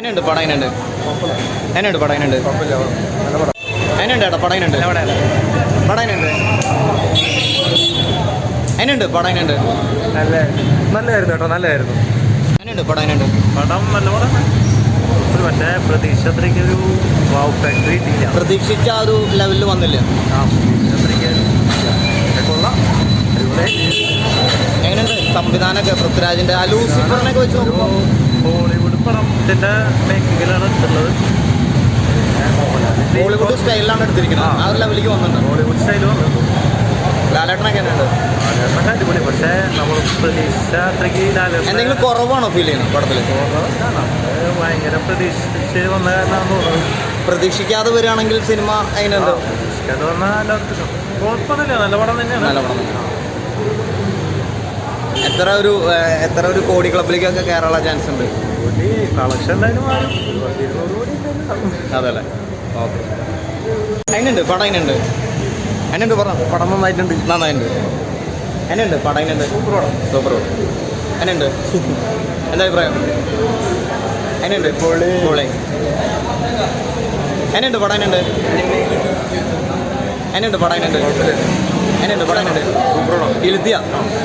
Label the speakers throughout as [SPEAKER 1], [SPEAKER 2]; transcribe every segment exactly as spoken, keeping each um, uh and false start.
[SPEAKER 1] എന്നുണ്ട് പടം എന്നുണ്ട് എന്നുണ്ട് പടം എന്നുണ്ട് എന്നുണ്ട് ഏട്ടാ പടം എന്നുണ്ട് പടം എന്നുണ്ട് എന്നുണ്ട് പടം എന്നുണ്ട്
[SPEAKER 2] നല്ല നല്ലതായിരുന്നു കേട്ടോ നല്ലതായിരുന്നു
[SPEAKER 1] എന്നുണ്ട് പടം എന്നുണ്ട്
[SPEAKER 2] പടം നല്ല പടം ഒരു പക്ഷേ പ്രതീക്ഷ അത്രയ്ക്ക് ഒരു വാവ് ഫാക്ടറി കിട്ടിയില്ല
[SPEAKER 1] പ്രതീക്ഷിച്ച ആ ഒരു ലെവലിൽ വന്നില്ല
[SPEAKER 2] ആ പ്രതീക്ഷ അത്രയ്ക്ക് കൊള്ളാം
[SPEAKER 1] എങ്ങനെയുണ്ട് സംവിധാനമൊക്കെ പൃഥ്വിരാജിന്റെ ആ ലൂസിഫറിനൊക്കെ വെച്ച് നോക്കുമ്പോൾ
[SPEAKER 2] ഹോളിവുഡ് പടത്തിന്റെ മേക്കിങ്ങിലാണ് എടുത്തുള്ളത്
[SPEAKER 1] ഹോളിവുഡ് സ്റ്റൈലിലാണ് എടുത്തിരിക്കുന്നത് ആ ഒരു ലെവലിലേക്ക് വന്നിട്ടുണ്ട്
[SPEAKER 2] ഹോളിവുഡ് സ്റ്റൈൽ വന്നത്
[SPEAKER 1] ലാലേട്ടനൊക്കെ എന്നുണ്ട്
[SPEAKER 2] ലാലേട്ടനൊക്കെ അടിപൊളി പക്ഷേ നമ്മൾ പ്രതീക്ഷ അത്രയ്ക്ക് ലാലേട്ടൻ
[SPEAKER 1] എന്തെങ്കിലും കുറവാണോ ഫീൽ ചെയ്യുന്നത് പടത്തിൽ
[SPEAKER 2] ഭയങ്കര പ്രതീക്ഷിച്ച് വന്ന കാരണമാണ് തോന്നുന്നത്
[SPEAKER 1] പ്രതീക്ഷിക്കാതെ വരികയാണെങ്കിൽ സിനിമ എങ്ങനെയുണ്ട്
[SPEAKER 2] പ്രതീക്ഷിക്കാതെ വന്നാൽ കുഴപ്പമൊന്നുമില്ല നല്ല പടം തന്നെയാണ്
[SPEAKER 1] നല്ല പടം എത്ര ഒരു എത്ര ഒരു കോടി ക്ലബിലേക്കൊക്കെ കയറാനുള്ള ചാൻസ് ഉണ്ട്
[SPEAKER 2] കോടി കളക്ഷൻ എന്തായാലും മാറും ഇരുന്നൂറ് കോടി
[SPEAKER 1] അതല്ലേ ഓക്കെ അതിനുണ്ട് പടം അതിനുണ്ട് അതിനുണ്ട് പറ
[SPEAKER 2] പടം നന്നായിട്ടുണ്ട്
[SPEAKER 1] നന്നായിട്ടുണ്ട് അതിനുണ്ട് പടം അതിനുണ്ട്
[SPEAKER 2] സൂപ്പർ പടം
[SPEAKER 1] സൂപ്പർ പടം അതിനുണ്ട് എന്താ അഭിപ്രായം അതിനുണ്ട് പൊളി പൊളി അതിനുണ്ട് പടം അതിനുണ്ട് അതിനുണ്ട് പടം അതിനുണ്ട് അതിനുണ്ട് പടം അതിനുണ്ട്
[SPEAKER 2] സൂപ്പർ പടം
[SPEAKER 1] ഇലുത്തിയ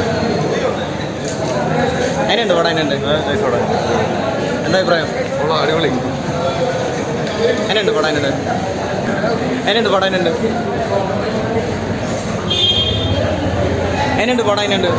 [SPEAKER 1] അതിനുണ്ട് പടം അതിനുണ്ട് എന്താ അഭിപ്രായം
[SPEAKER 2] അടിപൊളി
[SPEAKER 1] അതിനുണ്ട് പടം അതിനുണ്ട് അതിനുണ്ട് പടം അതിനുണ്ട് അതിനുണ്ട് പടം അതിനുണ്ട്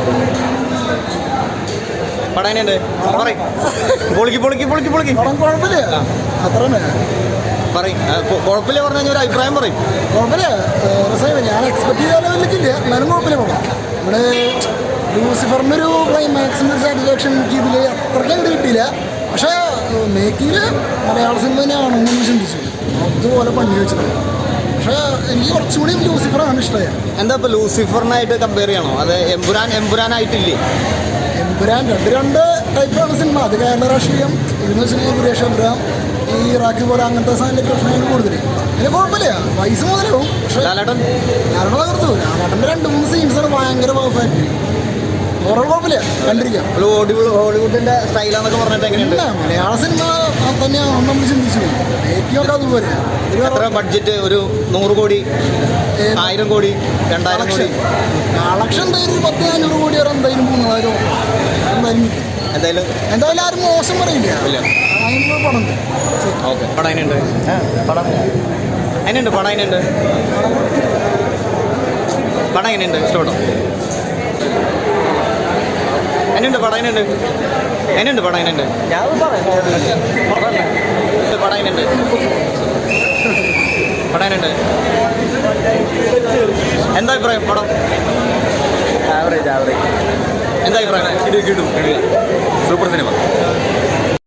[SPEAKER 1] പടം അതിനുണ്ട് പറയും പൊളിക്ക് പൊളിക്ക് പൊളിക്ക് പൊളിക്ക്
[SPEAKER 3] കുഴപ്പമില്ല അത്ര
[SPEAKER 1] പറയും കുഴപ്പമില്ല പറഞ്ഞു കഴിഞ്ഞാൽ ഒരു അഭിപ്രായം പറയും
[SPEAKER 3] കുഴപ്പമില്ല രസമില്ല ഞാൻ എക്സ്പെക്ട് ചെയ്ത ലെവലിലേക്കില്ല എന്നാലും കുഴപ്പമില്ല പടം ഇവിടെ ലൂസിഫറിൻ്റെ ഒരു ക്ലൈമാക്സിൻ്റെ സാറ്റിസ്ഫാക്ഷൻ എനിക്ക് ഇതിൽ അത്രയ്ക്ക് അങ്ങോട്ട് കിട്ടിയില്ല പക്ഷേ മേക്കിങ്ങിൽ മലയാള സിനിമ തന്നെയാണെന്ന് ചിന്തിച്ചു അതുപോലെ പണി വെച്ചിട്ടുണ്ട് പക്ഷേ എനിക്ക് കുറച്ചുകൂടി ലൂസിഫറാണ് ഇഷ്ടമായത്
[SPEAKER 1] എന്താ ഇപ്പോൾ ലൂസിഫറിനായിട്ട് കമ്പയർ ചെയ്യണോ അത് എമ്പുരാൻ എമ്പുരാനായിട്ടില്ലേ
[SPEAKER 3] എമ്പുരാൻ രണ്ട് രണ്ട് ടൈപ്പാണ് സിനിമ അത് കേരള രാഷ്ട്രീയം ഇതെന്ന് വെച്ചിട്ടുണ്ടെങ്കിൽ സുരേഷ് എമ്പുരാൻ ഈ ഇറാഖി പോലെ അങ്ങനത്തെ സാധനത്തിൻ്റെ പ്രശ്നങ്ങൾ കൂടുതൽ പിന്നെ കുഴപ്പമില്ല പൈസ മുതലാവും പക്ഷേ
[SPEAKER 1] ലാലേട്ടൻ
[SPEAKER 3] ഞാനോട് തകർത്തു ലാലേട്ടൻ്റെ രണ്ട് മൂന്ന് സീൻസാണ് ഭയങ്കര പെർഫെക്റ്റ് ഓരോ കുഴപ്പമില്ല കണ്ടിരിക്കാം
[SPEAKER 1] ഹോളിവുഡ് ഹോളിവുഡിന്റെ സ്റ്റൈലാന്നൊക്കെ പറഞ്ഞിട്ട് എങ്ങനെയുണ്ട്
[SPEAKER 3] ഇല്ല മലയാള സിനിമ തന്നെയാണ് നമ്മൾ ചിന്തിച്ചു ഏറ്റവും അതുപോലെ
[SPEAKER 1] എത്ര ബഡ്ജറ്റ് ഒരു നൂറ് കോടി ആയിരം കോടി രണ്ടായിരം കോടി
[SPEAKER 3] കളക്ഷൻ എന്തായാലും ഒരു പത്ത് അഞ്ഞൂറ് കോടി വരെ എന്തായാലും മൂന്നായിരം എന്തായാലും
[SPEAKER 1] എന്തായാലും
[SPEAKER 3] എന്തായാലും ആരും മോശം പറയില്ല
[SPEAKER 1] ഇല്ല
[SPEAKER 3] അതിനുള്ള പടം
[SPEAKER 1] ഓക്കെ പടം അതിനുണ്ട് പടം അതിനുണ്ട് പടം അതിനുണ്ട് പടം എങ്ങനെയുണ്ട് ഇഷ്ടപ്പെട്ടോ അതിനുണ്ട് പടം അതിനുണ്ട് അതിനുണ്ട് പടം അതിനുണ്ട് പടം അതിനുണ്ട് പടം അതിനുണ്ട് എന്താ അഭിപ്രായം പടം
[SPEAKER 2] ആവറേജ് ആവറേജ്
[SPEAKER 1] എന്താ അഭിപ്രായം
[SPEAKER 2] കിട്ടും സൂപ്പർ സിനിമ